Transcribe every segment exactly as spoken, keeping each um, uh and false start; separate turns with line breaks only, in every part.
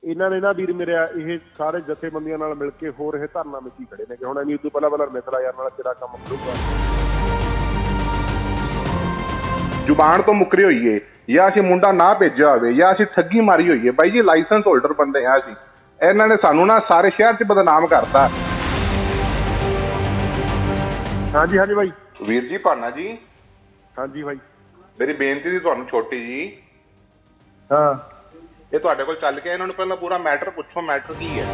ਇਹਨਾਂ ਨੇ ਨਾ ਵੀਰ ਮੇਰਿਆ ਇਹ ਸਾਰੇ ਜਥੇਬੰਦੀਆਂ ਨਾਲ ਮਿਲ ਕੇ ਹੋ ਰਹੇ ਧਰਨਾ ਵਿੱਚ ਹੀ ਖੜੇ ਨੇ ਕਿ ਹੁਣ ਅਸੀਂ ਉਦੋਂ ਪਹਿਲਾਂ ਪਹਿਲਾਂ ਮਿਸਲਾ ਯਾਰ ਨਾਲ ਤੇਰਾ ਕੰਮ ਕਰੂਗਾ।
ਜ਼ੁਬਾਨ ਤੋਂ ਮੁੱਕਰੇ ਹੋਈਏ ਜਾਂ ਅਸੀਂ ਮੁੰਡਾ ਨਾ ਭੇਜਿਆ ਹੋਵੇ ਜਾਂ ਅਸੀਂ ਠੱਗੀ ਮਾਰੀ ਹੋਈਏ। ਬਾਈ ਜੀ ਲਾਇਸੈਂਸ ਹੋਲਡਰ ਬੰਦੇ ਆ ਅਸੀਂ, ਇਹਨਾਂ ਨੇ ਸਾਨੂੰ ਨਾ ਸਾਰੇ ਸ਼ਹਿਰ 'ਚ ਬਦਨਾਮ ਕਰਤਾ।
ਹਾਂਜੀ ਹਾਂਜੀ ਬਾਈ।
ਵੀਰ ਜੀ ਭਾਨਾ ਜੀ।
ਹਾਂਜੀ ਬਾਈ।
ਮੇਰੀ ਬੇਨਤੀ ਸੀ ਤੁਹਾਨੂੰ ਛੋਟੀ ਜੀ।
ਹਾਂ
ਇਹ ਤੁਹਾਡੇ ਕੋਲ ਚੱਲ ਕੇ ਇਹਨਾਂ ਨੂੰ ਪਹਿਲਾਂ ਪੂਰਾ ਮੈਟਰ ਪੁੱਛੋ, ਮੈਟਰ ਕੀ ਹੈ।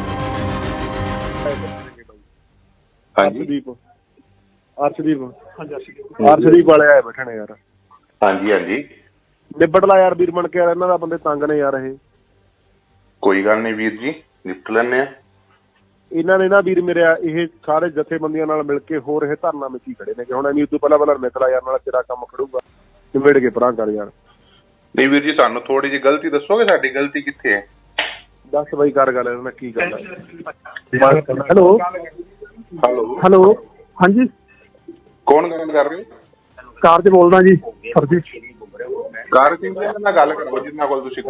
ਅਰਸ਼ਦੀਪ ਅਰਸ਼ਦੀਪ ਅਰਸ਼ਦੀਪ ਵਾਲੇ ਆਏ ਬੈਠੇ ਨੇ ਯਾਰ।
ਹਾਂਜੀ ਹਾਂਜੀ
ਨਿਬੜ ਲਾ ਯਾਰ ਵੀਰ ਬਣ ਕੇ ਯਾਰ, ਇਹਨਾਂ ਦਾ ਬੰਦੇ ਤੰਗ ਨੇ ਯਾਰ। ਇਹ
ਕੋਈ ਗੱਲ ਨਹੀਂ ਵੀਰ ਜੀ, ਨਿਪਟ ਲੈਣੇ ਆ।
ਇਹਨਾਂ ਨੇ ਨਾ ਵੀਰ ਮੇਰਿਆ ਇਹ ਸਾਰੇ ਜਥੇਬੰਦੀਆਂ ਨਾਲ ਮਿਲ ਕੇ ਹੋ ਰਹੇ ਧਰਨਾ ਵਿੱਚ ਹੀ ਖੜੇ ਨੇ ਕਿ ਹੁਣ ਅਸੀਂ ਉਦੋਂ ਪਹਿਲਾਂ ਪਹਿਲਾਂ ਮਿਸਲਾ ਯਾਰ ਨਾਲ ਤੇਰਾ ਕੰਮ ਖੜੂਗਾ, ਨਿਬੜ ਕੇ ਪਰਾਂ ਕਰ ਯਾਰ।
ਨਹੀਂ ਵੀਰ ਜੀ ਸਾਨੂੰ ਥੋੜੀ ਜਿਹੀ ਗਲਤੀ ਦੱਸੋਗੇ, ਸਾਡੀ ਗਲਤੀ ਕਿੱਥੇ ਹੈ?
ਦੱਸ ਬਾਈ ਕਰ ਗੱਲ ਇਹਨਾਂ ਕੀ ਗੱਲ ਹੈ। ਹੈਲੋ
ਹੈਲੋ
ਹੈਲੋ ਹਾਂਜੀ
ਕੌਣ ਗੱਲ ਕਰ ਰਹੇ ਹੋ?
ਕਾਰ 'ਚ ਬੋਲਦਾ ਜੀ ਸਰ ਜੀ।
ਕਾਰ ਸਿੰਘ ਨਾਲ ਗੱਲ ਕਰੋ ਜਿੰਨਾ ਕੋਲ ਤੁਸੀਂ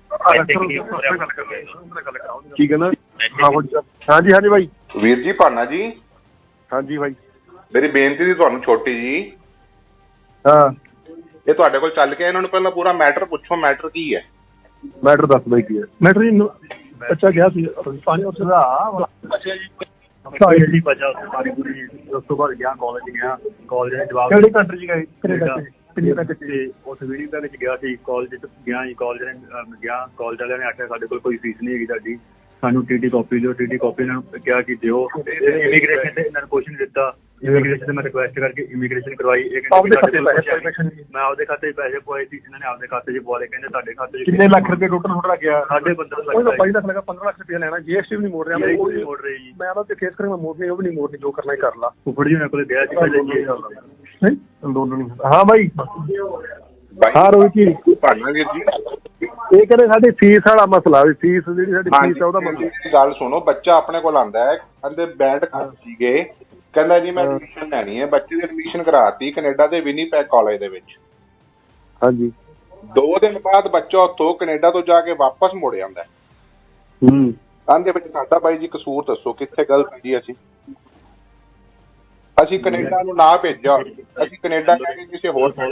ਕੀ ਕਹਿੰਦਾ? ਹਾਂਜੀ ਹਾਂਜੀ ਬਾਈ।
ਵੀਰ ਜੀ ਭਾਨਾ ਜੀ।
ਹਾਂਜੀ ਬਾਈ।
ਮੇਰੀ ਬੇਨਤੀ ਸੀ ਤੁਹਾਨੂੰ ਛੋਟੀ ਜੀ।
ਹਾਂ
ਇਹ ਤੁਹਾਡੇ ਕੋਲ ਚੱਲ ਕੇ ਇਹਨਾਂ ਨੂੰ ਪਹਿਲਾਂ ਪੂਰਾ ਮੈਟਰ ਪੁੱਛੋ, ਮੈਟਰ ਕੀ ਹੈ।
ਮੈਟਰ ਦੱਸ ਬਾਈ ਕੀ ਹੈ। ਮੈਟਰ ਜੀ ਬੱਚਾ ਗਿਆ ਸੀ ਪਾਣੀ ਉਸ ਦਾ
ਜੀ ਬਚਾ ਸਾਰੀ ਪੂਰੀ। ਉਸ ਤੋਂ ਬਾਅਦ ਗਿਆ ਕਾਲਜ ਗਿਆ, ਕਾਲਜ ਦੇ ਜਵਾਬ
ਕਿਹੜੀ ਕੰਟਰੀ 'ਚ ਗਏ? ਕੈਨੇਡਾ
ਤੇ ਉਸ ਵੀਡੀਓ ਦੇ ਵਿੱਚ ਗਿਆ ਸੀ। ਕਾਲਜ 'ਚ ਗਿਆ ਜੀ, ਕਾਲਜ ਨੇ ਗਿਆ, ਕਾਲਜ ਵਾਲਿਆਂ ਨੇ ਆਖਿਆ ਸਾਡੇ ਕੋਲ ਕੋਈ ਫੀਸ ਨਹੀਂ ਹੈਗੀ ਤੁਹਾਡੀ, ਸਾਨੂੰ ਟੀਟੀ ਕਾਪੀ ਦਿਓ। ਟੀਟੀ ਕਾਪੀ ਇਹਨਾਂ ਨੂੰ ਕਿਹਾ ਕਿ ਦਿਓ। ਇਮੀਗ੍ਰੇਸ਼ਨ ਤੇ ਇਹਨਾਂ ਨੂੰ ਕੁਛ ਨਹੀਂ ਦਿੱਤਾ। ਇਮੀਗ੍ਰੇਸ਼ਨ ਤੇ ਮੈਂ ਰਿਕੁਐਸਟ ਕਰਕੇ ਇਮੀਗ੍ਰੇਸ਼ਨ ਕਰਵਾਈ। ਮੈਂ ਆਪਦੇ ਖਾਤੇ 'ਚ ਪੈਸੇ ਪਵਾਏ ਸੀ, ਇਹਨਾਂ ਨੇ ਆਪਦੇ ਖਾਤੇ 'ਚ ਪਵਾ ਲਏ। ਕਹਿੰਦੇ ਤੁਹਾਡੇ ਖਾਤੇ 'ਚ
ਕਿੰਨੇ ਲੱਖ ਰੁਪਏ ਟੋਟਲ ਤੁਹਾਡਾ ਗਿਆ?
ਸਾਢੇ ਪੰਦਰਾਂ ਲੱਖ।
ਉਹ ਬਾਈ ਲੱਖ ਲੱਗਾ, ਪੰਦਰਾਂ ਲੱਖ ਰੁਪਏ ਲੈਣਾ। ਜੀਐਸਟੀ ਵੀ ਨਹੀਂ ਮੋੜ ਰਿਹਾ।
ਉਹ ਨਹੀਂ ਮੋੜ ਰਹੀ ਜੀ।
ਮੈਂ ਉਹਨਾਂ ਤੇ ਕੇਸ ਕਰਾਂਗਾ, ਮੋੜਨੀ ਉਹ ਵੀ ਨਹੀਂ ਮੋੜਨੀ, ਜੋ ਕਰਨਾ ਹੀ ਕਰ ਲਾ।
ਫੁੱਫੜ ਜੀ ਉਹਨਾਂ ਕੋਲ ਗਿਆ ਸੀ।
ਅੰਦੋਲਨ ਹਾਂ ਬਾਈ।
ਹਾਂ
ਰੋਹਿਤ ਜੀ।
ਭਾਨਾ ਵੀਰ ਜੀ
ਇਹ ਕਹਿੰਦੇ ਸਾਡੀ ਫੀਸ ਵਾਲਾ ਮਸਲਾ ਵੀ, ਫੀਸ ਜਿਹੜੀ ਸਾਡੀ ਫੀਸ ਆ ਉਹਦਾ ਮਸਲਾ।
ਗੱਲ ਸੁਣੋ, ਬੱਚਾ ਆਪਣੇ ਕੋਲ ਆਂਦਾ ਹੈ, ਕਹਿੰਦੇ ਬੈਂਡ ਕਰ ਸੀਗੇ, ਕਹਿੰਦਾ ਜੀ ਮੈਂ ਐਡਮਿਸ਼ਨ ਲੈਣੀ ਹੈ। ਬੱਚੇ ਦੀ ਐਡਮਿਸ਼ਨ ਕਰਾਤੀ ਕੈਨੇਡਾ ਦੇ ਵਿਨੀਪੈਗ ਕਾਲਜ ਦੇ ਵਿੱਚ।
ਹਾਂਜੀ।
ਦੋ ਦਿਨ ਬਾਅਦ ਬੱਚਾ ਉੱਥੋਂ ਕੈਨੇਡਾ ਤੋਂ ਜਾ ਕੇ ਵਾਪਸ ਮੁੜ ਜਾਂਦਾ।
ਹੂੰ
ਕਹਿੰਦੇ ਵਿੱਚ ਸਾਡਾ ਬਾਈ ਜੀ ਕਸੂਰ ਦੱਸੋ ਕਿੱਥੇ ਗਲਤ ਜੀ? ਅਸੀਂ ਅਸੀਂ ਕੈਨੇਡਾ ਨੂੰ ਨਾ ਭੇਜਿਆ, ਅਸੀਂ ਕੈਨੇਡਾ ਜਾ ਕੇ ਕਿਸੇ ਹੋਰ
ਟਾਈਮ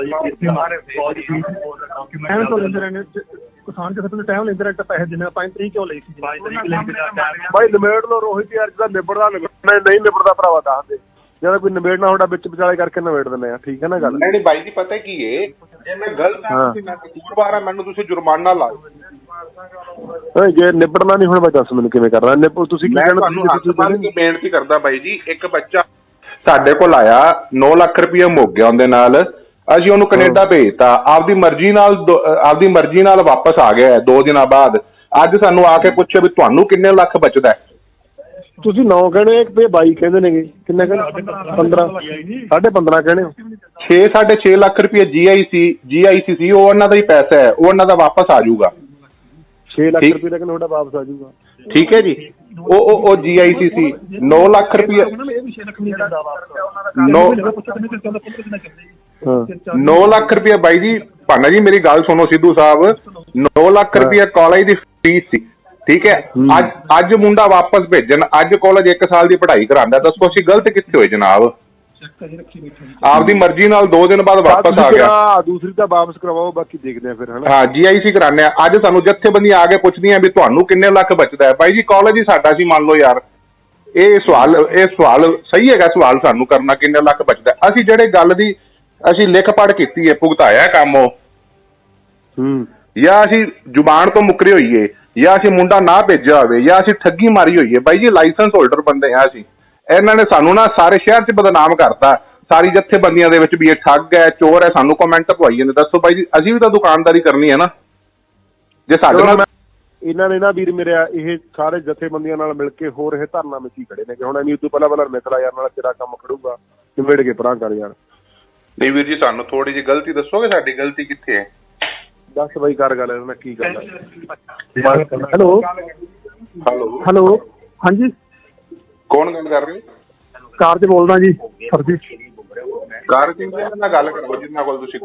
ਤੋਂ ਲੈਂਦੇ ਰਹਿੰਦੇ ਕਿਸਾਨ ਕਿਸੇ ਤੋਂ ਟਾਈਮ ਲੈਂਦੇ ਰਹਿੰਦੇ ਪੈਸੇ ਦਿੰਦੇ। ਪੰਜ ਤਰੀਕ ਕਿਉਂ ਲਈ ਸੀ ਬਾਈ? ਨਿਬੇੜ ਲੋ ਰੋਹਿਤ ਯਾਰ, ਜਿਹਦਾ ਨਿਬੜਦਾ ਨਿਬੜਨਾ, ਨਹੀਂ ਨਿਬੜਦਾ ਭਰਾਵਾ ਦੱਸ ਦੇ। ਜਦੋਂ ਕੋਈ ਨਿਬੇੜਨਾ ਤੁਹਾਡਾ ਵਿੱਚ ਵਿਚਾਲੇ ਕਰਕੇ ਨਿਬੇੜ ਦਿੰਦੇ ਆ, ਠੀਕ ਹੈ ਨਾ ਗੱਲ?
ਨਹੀਂ ਬਾਈ ਜੀ ਪਤਾ ਕੀ ਏ, ਜੇ ਮੈਂ ਗਲਤ ਆ ਮੈਂ ਕਸੂਰਵਾਰ ਆ, ਮੈਨੂੰ ਤੁਸੀਂ ਜੁਰਮਾਨਾ ਲਾਓ।
ਜੇ ਨਿਬੜਨਾ ਨਹੀਂ ਹੁਣ ਬਾਈ ਦੱਸ ਮੈਨੂੰ ਕਿਵੇਂ ਕਰਨਾ? ਨਿਬੜ ਤੁਸੀਂ ਕੀ ਕਹਿਣਾ?
ਤੁਹਾਨੂੰ ਹੱਥ ਬੰਨ੍ਹ ਕੇ ਬੇਨਤੀ ਕਰਦਾ ਬਾਈ ਜੀ, ਇੱਕ ਬੱਚਾ ਸਾਡੇ ਕੋਲ ਆਇਆ, ਨੌ ਲੱਖ ਰੁਪਇਆ ਮੁੱਕ ਗਿਆ ਉਹਦੇ ਨਾਲ। ਅਸੀਂ ਉਹਨੂੰ ਕੈਨੇਡਾ ਭੇਜਤਾ, ਆਪਦੀ ਮਰਜ਼ੀ ਨਾਲ ਆਪਦੀ ਮਰਜ਼ੀ ਨਾਲ ਵਾਪਸ ਆ ਗਿਆ ਦੋ ਦਿਨਾਂ ਬਾਅਦ। ਅੱਜ ਸਾਨੂੰ ਆ ਕੇ ਪੁੱਛਿਆ ਵੀ ਤੁਹਾਨੂੰ ਕਿੰਨੇ ਲੱਖ ਬਚਦਾ? ਤੁਸੀਂ ਨੌ ਕਹਿੰਦੇ ਤੇ ਬਾਈ ਕਹਿੰਦੇ ਨੇਗੇ। ਕਿੰਨੇ ਕਹਿੰਦੇ? ਪੰਦਰਾਂ ਸਾਢੇ ਪੰਦਰਾਂ ਕਹਿੰਦੇ ਹੋ। ਛੇ ਸਾਢੇ ਛੇ ਲੱਖ ਰੁਪਇਆ ਜੀ ਆਈ ਸੀ ਜੀ ਆਈ ਸੀ ਸੀ ਉਹ ਉਹਨਾਂ ਦਾ ਹੀ ਪੈਸਾ ਹੈ, ਉਹ ਉਹਨਾਂ ਦਾ ਵਾਪਸ ਆ ਜਾਊਗਾ। ਛੇ ਲੱਖ ਰੁਪਏ ਦਾ ਤੁਹਾਡਾ ਵਾਪਸ ਆ ਜਾਊਗਾ, ਠੀਕ ਹੈ ਜੀ। ਉਹ ਉਹ ਜੀ ਆਈ ਸੀ ਸੀ ਨੌ ਲੱਖ ਰੁਪਇਆ ਨੌ ਲੱਖ ਰੁਪਇਆ ਬਾਈ ਜੀ। ਭਾਨਾ ਜੀ ਮੇਰੀ ਗੱਲ ਸੁਣੋ ਸਿੱਧੂ ਸਾਹਿਬ, ਨੌ ਲੱਖ ਰੁਪਇਆ ਕਾਲਜ ਦੀ ਫੀਸ ਸੀ, ਠੀਕ ਹੈ। ਅੱਜ ਅੱਜ ਮੁੰਡਾ ਵਾਪਸ ਭੇਜਣ, ਅੱਜ ਕਾਲਜ ਇੱਕ ਸਾਲ ਦੀ ਪੜ੍ਹਾਈ ਕਰਾਉਂਦਾ। ਦੱਸੋ ਅਸੀਂ ਗਲਤ ਕਿੱਥੇ ਹੋਏ ਜਨਾਬ? ਆਪਦੀ ਮਰਜ਼ੀ ਨਾਲ ਦੋ ਦਿਨ ਬਾਅਦ ਵਾਪਸ ਆ ਗਿਆ। ਦੂਸਰੀ ਤਾਂ ਵਾਪਸ ਕਰਵਾਓ, ਬਾਕੀ ਦੇਖਦੇ ਆ ਫਿਰ। ਹਾਂ ਜੀ ਆਈ ਸੀ ਕਰਾਉਂਦੇ ਆ। ਅੱਜ ਸਾਨੂੰ ਜਥੇਬੰਦੀਆਂ ਆ ਕੇ ਪੁੱਛਦੀਆਂ ਵੀ ਤੁਹਾਨੂੰ ਕਿੰਨੇ ਲੱਖ ਬਚਦਾ ਹੈ? ਬਾਈ ਜੀ ਕਾਲਜ ਹੀ ਸਾਡਾ ਸੀ, ਮੰਨ ਲਓ ਯਾਰ। ਇਹ ਸਵਾਲ ਇਹ ਸਵਾਲ ਸਹੀ ਹੈਗਾ ਸਵਾਲ ਸਾਨੂੰ ਕਰਨਾ, ਕਿੰਨੇ ਲੱਖ ਬਚਦਾ? ਅਸੀਂ ਜਿਹੜੇ ਗੱਲ ਦੀ ਅਸੀਂ ਲਿਖ ਪੜ੍ਹ ਕੀਤੀ ਹੈ, ਭੁਗਤਾਇਆ ਕੰਮ ਉਹ, ਹੂੰ ਜਾਂ ਅਸੀਂ ਜ਼ੁਬਾਨ ਤੋਂ ਮੁੱਕਰੇ ਹੋਈਏ ਜਾਂ ਅਸੀਂ ਮੁੰਡਾ ਨਾ ਭੇਜਿਆ ਹੋਵੇ ਜਾਂ ਅਸੀਂ ਠੱਗੀ ਮਾਰੀ ਹੋਈਏ। ਬਾਈ ਜੀ ਲਾਇਸੈਂਸ ਹੋਲਡਰ ਬੰਦੇ ਆ ਅਸੀਂ, ਇਹਨਾਂ ਨੇ ਸਾਨੂੰ ਨਾ ਸਾਰੇ ਸ਼ਹਿਰ 'ਚ ਬਦਨਾਮ ਕਰਤਾ, ਸਾਰੀ ਜਥੇਬੰਦੀਆਂ ਦੇ ਵਿੱਚ ਵੀ ਇਹ ਠੱਗ ਹੈ, ਚੋਰ ਹੈ। ਸਾਨੂੰ ਕਮੈਂਟ ਪਵਾਈ ਜਾਂਦੇ। ਦੱਸੋ ਬਾਈ ਜੀ, ਅਸੀਂ ਵੀ ਤਾਂ ਦੁਕਾਨਦਾਰੀ ਕਰਨੀ ਹੈ ਨਾ। ਜੇ ਸਾਡੇ ਨਾਲ ਇਹਨਾਂ ਨੇ ਨਾ ਵੀਰ ਮੇਰਿਆ ਇਹ ਸਾਰੇ ਜਥੇਬੰਦੀਆਂ ਨਾਲ ਮਿਲ ਕੇ ਹੋ ਰਹੇ ਧਰਨਾ ਵਿੱਚ ਹੀ ਖੜੇ ਨੇ ਕਿ ਹੁਣ ਅਸੀਂ ਉਦੋਂ ਪਹਿਲਾਂ ਪਹਿਲਾਂ ਮਿਸਲਾ ਯਾਰ ਨਾਲ ਤੇਰਾ ਕੰਮ ਖੜੂਗਾ, ਨਿਬੇੜ ਕੇ ਪਰਾਂ ਕਰ ਯਾਰ। ਨਹੀਂ ਵੀਰ ਜੀ ਸਾਨੂੰ ਥੋੜੀ ਜਿਹੀ ਗਲਤੀ ਦੱਸੋਗੇ, ਸਾਡੀ ਗਲਤੀ ਕਿੱਥੇ ਹੈ? ਦੱਸ ਬਾਈ ਕਰ ਗੱਲ ਇਹਨਾਂ ਕੀ ਗੱਲ ਹੈ। ਹੈਲੋ ਹੈਲੋ ਹੈਲੋ ਹਾਂਜੀ ਕੌਣ ਗੱਲ ਕਰ ਰਹੇ ਹੋ? ਕਾਰ 'ਚ ਬੋਲਦਾ ਜੀ ਸਰ ਜੀ। ਕਾਰ ਸਿੰਘ ਨਾਲ ਗੱਲ ਕਰੋ ਜਿੰਨਾ ਕੋਲ ਤੁਸੀਂ